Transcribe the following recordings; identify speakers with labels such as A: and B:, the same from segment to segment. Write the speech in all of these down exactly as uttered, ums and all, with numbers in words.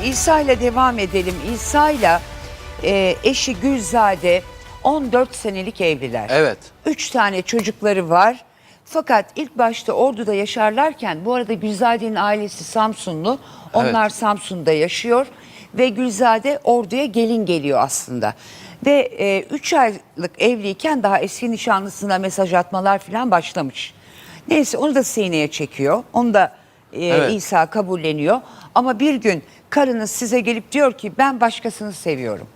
A: İsa ile devam edelim. İsa ile e, eşi Gülzade on dört senelik evliler.
B: Evet.
A: Üç tane çocukları var. Fakat ilk başta Ordu'da yaşarlarken, bu arada Gülzade'nin ailesi Samsunlu. Onlar evet. Samsun'da yaşıyor ve Gülzade Ordu'ya gelin geliyor aslında. Ve üç e, aylık evliyken daha eski nişanlısına mesaj atmalar falan başlamış. Neyse onu da sineye çekiyor. Onu da e, evet. İsa kabulleniyor. Ama bir gün karınız size gelip diyor ki ben başkasını seviyorum.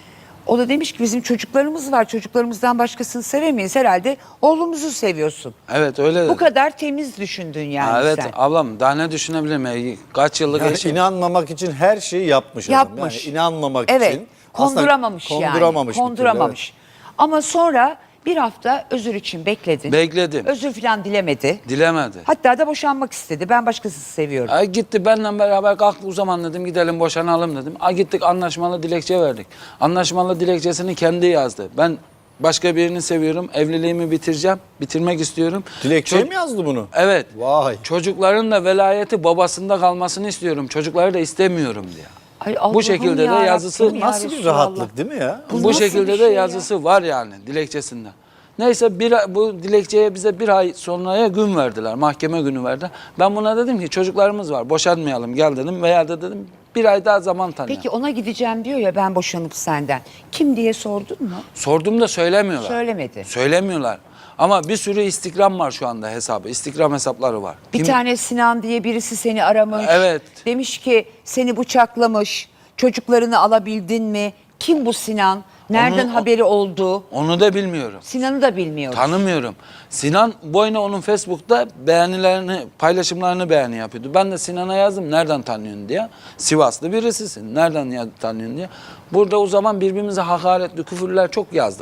A: O da demiş ki bizim çocuklarımız var. Çocuklarımızdan başkasını sevemeyiz. Herhalde oğlumuzu seviyorsun.
B: Evet öyle dedi.
A: Bu kadar temiz düşündün yani
B: ha, evet,
A: sen.
B: ablam daha ne düşünebilirim? Kaç yıllık
C: yani
B: eşim.
C: İnanmamak için her şeyi yapmış.
A: Yapmış.
C: Yani inanmamak
A: evet.
C: için.
A: Konduramamış,
C: konduramamış
A: yani. Konduramamış.
C: Türlü, evet.
A: Ama sonra bir hafta özür için bekledin.
B: Bekledim.
A: Özür falan dilemedi.
B: Dilemedi.
A: Hatta da boşanmak istedi. Ben başkasını seviyorum.
B: Ay gitti benimle beraber kalktık o zaman dedim gidelim boşanalım dedim. Ay gittik anlaşmalı dilekçe verdik. Anlaşmalı dilekçesini kendi yazdı. Ben başka birini seviyorum. Evliliğimi bitireceğim. Bitirmek istiyorum.
C: Dilekçeye mi yazdı bunu?
B: Evet.
C: Vay.
B: Çocukların da velayeti babasında kalmasını istiyorum. Çocukları da istemiyorum diye.
A: Ay
B: bu şekilde de yazısı
C: nasıl bir rahatlık değil mi ya?
B: Bu, bu şekilde
A: şey
B: de yazısı ya? Var yani dilekçesinde. Neyse bir, bu dilekçeye bize bir ay sonraya gün verdiler. Mahkeme günü verdi. Ben buna dedim ki çocuklarımız var boşanmayalım gel dedim. Veya da dedim bir ay daha zaman tanı.
A: Peki ona gideceğim diyor ya ben boşanıp senden. Kim diye sordun mu?
B: Sordum da söylemiyorlar.
A: Söylemedi.
B: Söylemiyorlar. Ama bir sürü Instagram var şu anda hesabı. Instagram hesapları var.
A: Bir
B: Kim?
A: tane Sinan diye birisi seni aramış.
B: Evet.
A: Demiş ki seni bıçaklamış. Çocuklarını alabildin mi? Kim bu Sinan? Nereden
B: Onu,
A: haberi oldu?
B: Onu da bilmiyorum.
A: Sinan'ı da bilmiyoruz.
B: Tanımıyorum. Sinan boyuna onun Facebook'ta beğenilerini, paylaşımlarını beğeni yapıyordu. Ben de Sinan'a yazdım nereden tanıyorsun diye. Sivaslı birisisin. Nereden tanıyorsun diye. Burada o zaman birbirimize hakaretli küfürler çok yazdık.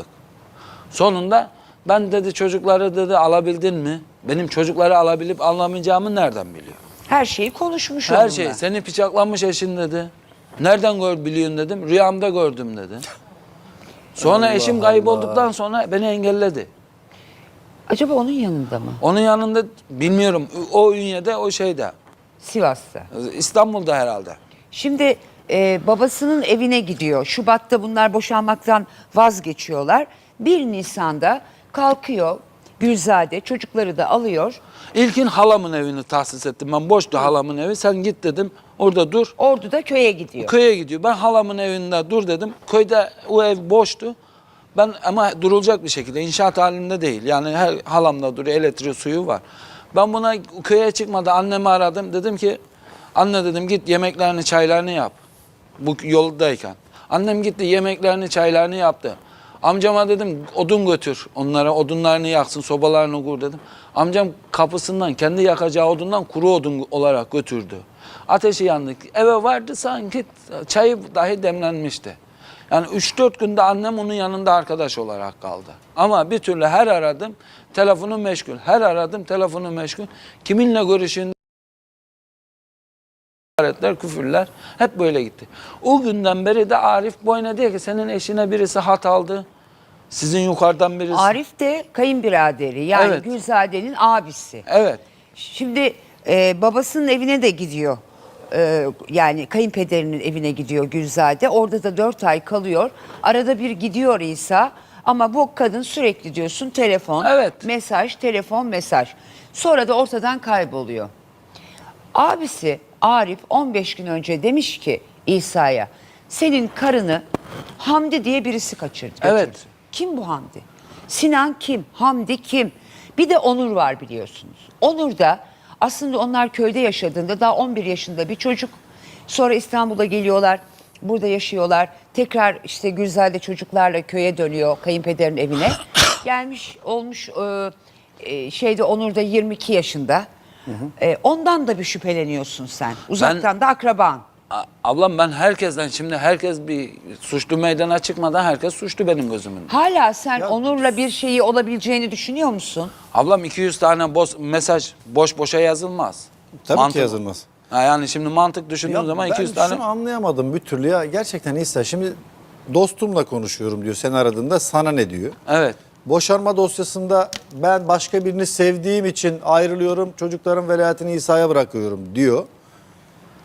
B: Sonunda ben dedi çocukları dedi alabildin mi? Benim çocukları alabilip alamayacağımı nereden biliyor?
A: Her şeyi konuşmuş
B: Her
A: onunla.
B: şey. Seni bıçaklanmış eşin dedi. Nereden gör biliyorsun dedim. Rüyamda gördüm dedi. Sonra
C: Allah
B: eşim kaybolduktan sonra beni engelledi.
A: Acaba onun yanında mı?
B: Onun yanında bilmiyorum. O Ünye'de o şeyde.
A: Sivas'ta.
B: İstanbul'da herhalde.
A: Şimdi e, babasının evine gidiyor. Şubat'ta bunlar boşanmaktan vazgeçiyorlar. bir Nisan'da kalkıyor Gülzade çocukları da alıyor.
B: İlkin halamın evini tahsis ettim. Ben boştu halamın evi. Sen git dedim. Orada dur.
A: Ordu'da köye gidiyor.
B: Köye gidiyor. Ben halamın evinde dur dedim. Köyde o ev boştu. Ben ama durulacak bir şekilde inşaat halinde değil. Yani her halamda duruyor. Elektriği suyu var. Ben buna köye çıkmadan annemi aradım. Dedim ki anne dedim git yemeklerini çaylarını yap. Bu yoldayken. Annem gitti yemeklerini çaylarını yaptı. Amcama dedim odun götür onlara odunlarını yaksın sobalarını kur dedim. Amcam kapısından kendi yakacağı odundan kuru odun olarak götürdü. Ateşi yandık. Eve vardı sanki çayı dahi demlenmişti. Yani üç dört günde annem onun yanında arkadaş olarak kaldı. Ama bir türlü her aradım telefonu meşgul. Her aradım telefonu meşgul. Kiminle görüşün küfürler hep böyle gitti. O günden beri de Arif boyuna diyor ki senin eşine birisi hat aldı. Sizin yukarıdan birisi.
A: Arif de kayınbiraderi yani
B: Evet.
A: Gülzade'nin abisi.
B: Evet.
A: Şimdi e, babasının evine de gidiyor. E, yani kayınpederinin evine gidiyor Gülzade. Orada da dört ay kalıyor. Arada bir gidiyor İsa. Ama bu kadın sürekli diyorsun telefon,
B: Evet.
A: mesaj, telefon, mesaj. Sonra da ortadan kayboluyor. Abisi Arif on beş gün önce demiş ki İsa'ya senin karını Hamdi diye birisi kaçırdı.
B: Evet.
A: götürdü." Kim bu Hamdi? Sinan kim? Hamdi kim? Bir de Onur var biliyorsunuz. Onur da aslında onlar köyde yaşadığında daha on bir yaşında bir çocuk. Sonra İstanbul'a geliyorlar. Burada yaşıyorlar. Tekrar işte Gülzade çocuklarla köye dönüyor kayınpederin evine. Gelmiş olmuş e, e, şeyde Onur da yirmi iki yaşında. Hı hı. E, ondan da bir şüpheleniyorsun sen. Uzaktan
B: Ben,
A: da akraban.
B: A ablam ben herkesten şimdi herkes bir suçlu meydana çıkmadan herkes suçlu benim gözümün.
A: Hala sen
C: Ya,
A: Onur'la bir şeyi olabileceğini düşünüyor musun?
B: Ablam iki yüz tane boş, mesaj boş boşa yazılmaz.
C: Tabii
B: Mantık,
C: ki yazılmaz.
B: Ha yani şimdi mantık düşündüğüm
C: Ya
B: zaman
C: ben
B: iki yüz tane.
C: şunu anlayamadım bir türlü ya. Gerçekten İsa şimdi dostumla konuşuyorum diyor. Sen aradığında sana ne diyor?
B: Evet.
C: Boşanma dosyasında ben başka birini sevdiğim için ayrılıyorum. Çocukların velayetini İsa'ya bırakıyorum diyor.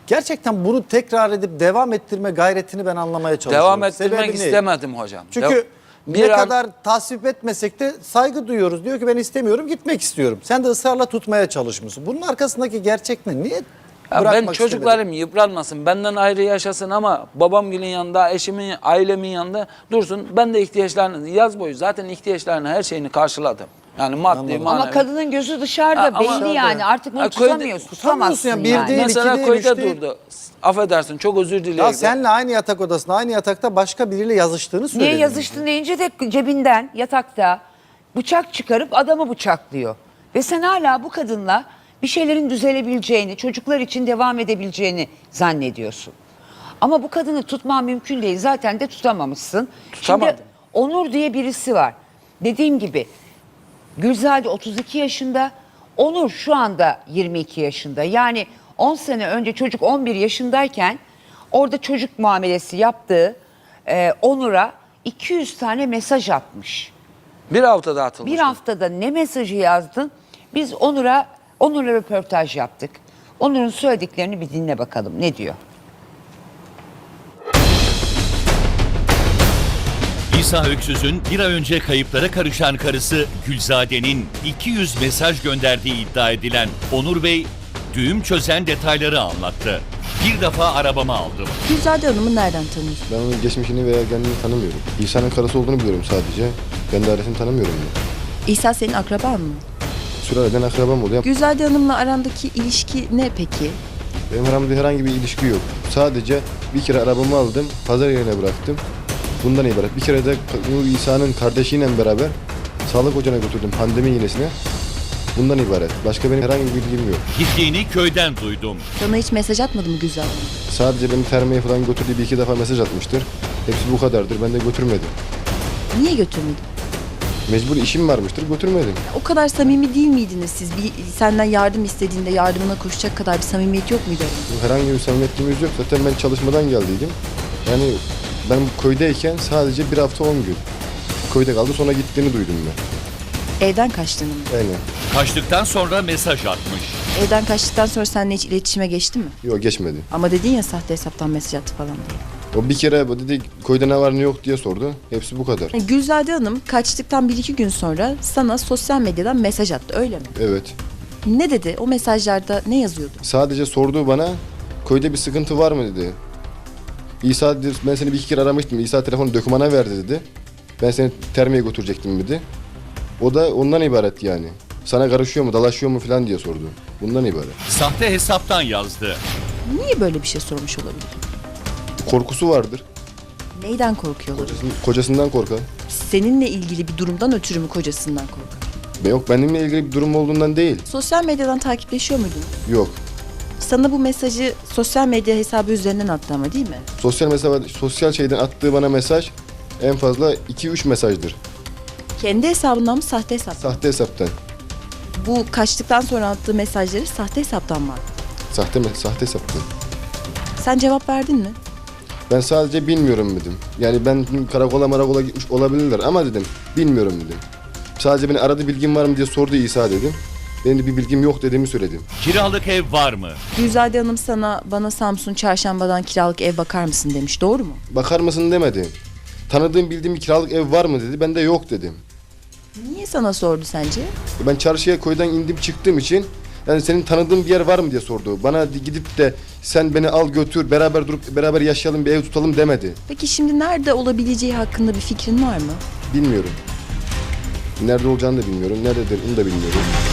C: gerçekten bunu tekrar edip devam ettirme gayretini ben anlamaya çalışıyorum.
B: Devam ettirmek
C: Sebebi ne?
B: istemedim hocam.
C: Çünkü
B: Dev-
C: ne
B: bir an-
C: kadar tasvip etmesek de saygı duyuyoruz. Diyor ki ben istemiyorum, gitmek istiyorum. Sen de ısrarla tutmaya çalışmışsın. Bunun arkasındaki gerçek ne? Niye
B: Ya ben
C: bırakmak
B: çocuklarım
C: istemedin?
B: yıpranmasın, benden ayrı yaşasın ama babamgilin yanında, eşimin, ailemin yanında dursun. Ben de ihtiyaçlarını, yaz boyu zaten ihtiyaçlarını, her şeyini karşıladım. Yani maddi,
C: Anladım.
B: manevi.
A: Ama kadının gözü dışarıda
B: Ha, ama-
A: belli yani. Artık bunu
B: Ha, köyde-
A: tutamıyorsun.
C: tutamıyorsun
A: Tutamazsın
C: yani. Bir
A: yani.
C: değil,
B: Mesela
C: iki değil,
B: köyde
C: üç değil.
B: durdu. Affedersin, çok özür dilerim.
C: Ya senle aynı yatak odasında, aynı yatakta başka biriyle yazıştığını söyledin.
A: Niye yazıştın deyince de cebinden yatakta bıçak çıkarıp adamı bıçaklıyor. Ve sen hala bu kadınla bir şeylerin düzelebileceğini, çocuklar için devam edebileceğini zannediyorsun. Ama bu kadını tutman mümkün değil. Zaten de tutamamışsın.
B: Tutamadım.
A: Şimdi Onur diye birisi var. Dediğim gibi Gülzade otuz iki yaşında, Onur şu anda yirmi iki yaşında. Yani on sene önce çocuk on bir yaşındayken orada çocuk muamelesi yaptığı e, Onur'a iki yüz tane mesaj atmış.
B: Bir haftada atılmış.
A: Bir haftada ne mesajı yazdın? Biz Onur'a Onur'la röportaj yaptık. Onur'un söylediklerini bir dinle bakalım. Ne diyor?
D: İsa Öksüz'ün bir ay önce kayıplara karışan karısı Gülzade'nin iki yüz mesaj gönderdiği iddia edilen Onur Bey, düğüm çözen detayları anlattı. Bir defa arabama aldım.
E: Gülzade Hanım'ı nereden tanıyorsun?
F: Ben onun geçmişini veya kendini tanımıyorum. İsa'nın karısı olduğunu biliyorum sadece. Kendi ailesini tanımıyorum ben.
E: İsa senin akraban mı?
F: Sülaleden akrabam oluyor.
E: Gülzade Hanım'la arandaki ilişki ne peki?
F: Benim aramda herhangi bir ilişki yok. Sadece bir kere arabamı aldım, pazar yerine bıraktım. Bundan ibaret. Bir kere de Nur İsa'nın kardeşiyle beraber sağlık ocağına götürdüm pandemi iğnesine. Bundan ibaret. Başka benim herhangi bir bilgim yok.
D: Gittiğini köyden duydum.
E: Sana hiç mesaj atmadı mı Gülzade Hanım?
F: Sadece beni termeye falan götürdüğü bir iki defa mesaj atmıştır. Hepsi bu kadardır. Ben de götürmedim.
E: Niye götürmedin?
F: Mecbur işim varmıştır, götürmedim.
E: O kadar samimi değil miydiniz siz? Bir, senden yardım istediğinde yardımına koşacak kadar bir samimiyet yok muydu aranızda?
F: Herhangi bir samimiyetimiz yok. Zaten ben çalışmadan geldiydim. Yani ben köydeyken sadece bir hafta on gün. Köyde kaldı, sonra gittiğini duydum ben.
E: Evden kaçtığını mı?
F: Aynen.
D: Kaçtıktan sonra mesaj atmış.
E: Evden kaçtıktan sonra seninle hiç iletişime geçti mi?
F: Yok, geçmedi.
E: Ama dedin ya sahte hesaptan mesaj attı falan diye.
F: O bir kere dedi köyde ne var ne yok diye sordu. Hepsi bu kadar.
E: Yani Gülzade Hanım kaçtıktan bir iki gün sonra sana sosyal medyadan mesaj attı öyle mi?
F: Evet.
E: Ne dedi? O mesajlarda ne yazıyordu?
F: Sadece sorduğu bana köyde bir sıkıntı var mı dedi. İsa dedi, ben seni bir iki kere aramıştım. İsa telefonu dökümana verdi dedi. Ben seni termiye götürecektim dedi. O da ondan ibaret yani. Sana karışıyor mu, dalaşıyor mu falan diye sordu. Bundan ibaret.
D: Sahte hesaptan yazdı.
E: Niye böyle bir şey sormuş olabilir?
F: Korkusu vardır.
E: Neyden korkuyor olabilir?
F: Kocasından korkar.
E: Seninle ilgili bir durumdan ötürü mü kocasından korkar?
F: Yok, benimle ilgili bir durum olduğundan değil.
E: Sosyal medyadan takipleşiyor muydun?
F: Yok.
E: Sana bu mesajı sosyal medya hesabı üzerinden attı ama değil mi?
F: Sosyal mesela sosyal şeyden attığı bana mesaj en fazla iki üç mesajdır.
E: Kendi hesabından mı sahte hesap?
F: Sahte hesaptan.
E: Bu kaçtıktan sonra attığı mesajları sahte hesaptan mı attı?
F: Sahte mi? Sahte hesaptan.
E: Sen cevap verdin mi?
F: Ben sadece bilmiyorum dedim. Yani ben karakola marakola gitmiş olabilirler ama dedim bilmiyorum dedim. Sadece beni aradı, bilgin var mı diye sordu İsa dedim. Benim de bir bilgim yok dediğimi söyledim.
D: Kiralık ev var mı?
E: Gülzade Hanım sana bana Samsun Çarşamba'dan kiralık ev bakar mısın demiş. Doğru mu?
F: Bakar mısın demedi. Tanıdığım bildiğim bir kiralık ev var mı dedi. Ben de yok dedim.
E: Niye sana sordu sence?
F: Ben çarşıya köyden indim çıktığım için yani senin tanıdığın bir yer var mı diye sordu. Bana gidip de sen beni al götür beraber durup beraber yaşayalım bir ev tutalım demedi.
E: Peki şimdi nerede olabileceği hakkında bir fikrin var mı?
F: Bilmiyorum. Nerede olacağını da bilmiyorum. Nerededir onu da bilmiyorum.